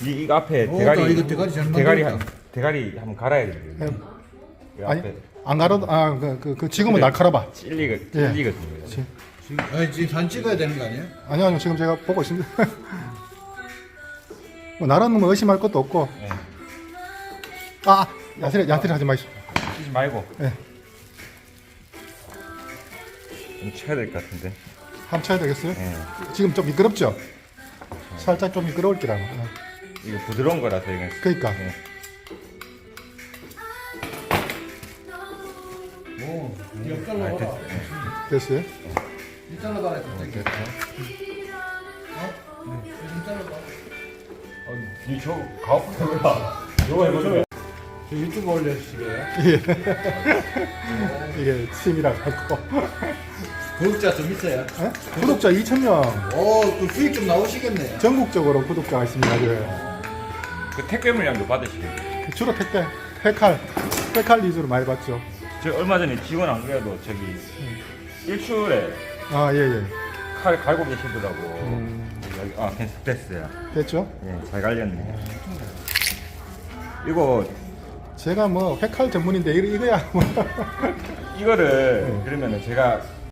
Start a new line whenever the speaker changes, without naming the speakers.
이거 앞에
오,
대가리
나 이거 대가리 잘
대가리
만들었다.
대가리 한번 갈아야 돼요.
예.
이
아니
앞에
안 가려도 지금은 날카로봐.
찔리거든요.
지금 사진 찍어야 되는 거 아니에요?
아니요 지금 제가 보고 있습니다. 뭐 나라는 뭐 의심할 것도 없고.
네.
아 야트리 하지 마시오.
치지 말고
예.
좀 쳐야 될 것 같은데.
한번 쳐야 되겠어요?
예.
지금 좀 미끄럽죠? 살짝 좀 미끄러울 기라.
이거 부드러운 거라서 이거.
그러니까.
예.
오, 이거
아,
잘라봐라.
됐어요?
이 잘라봐라. 됐다. 좀 잘라봐.
이저 가오프구나. 이거 해보세요.
저 유튜브 올려주시게요?
이게 취미라 갖고.
구독자 좀 있어요?
예? 구독자 2,000명.
오, 또 수익 좀 나오시겠네요.
전국적으로 구독자가 있습니다. 그
그 택배 물량도 받으시겠네요.
주로 택배, 페칼 위주로 많이 받죠.
저 얼마 전에 직원 안 그래도 저기 일출에
아, 예.
칼 갈고 계시더라고. 여기, 아, 됐어요.
됐죠?
예, 잘 갈렸네. 이거
제가 뭐 회칼 전문인데 이거야 뭐.
이거를 그러면은 제가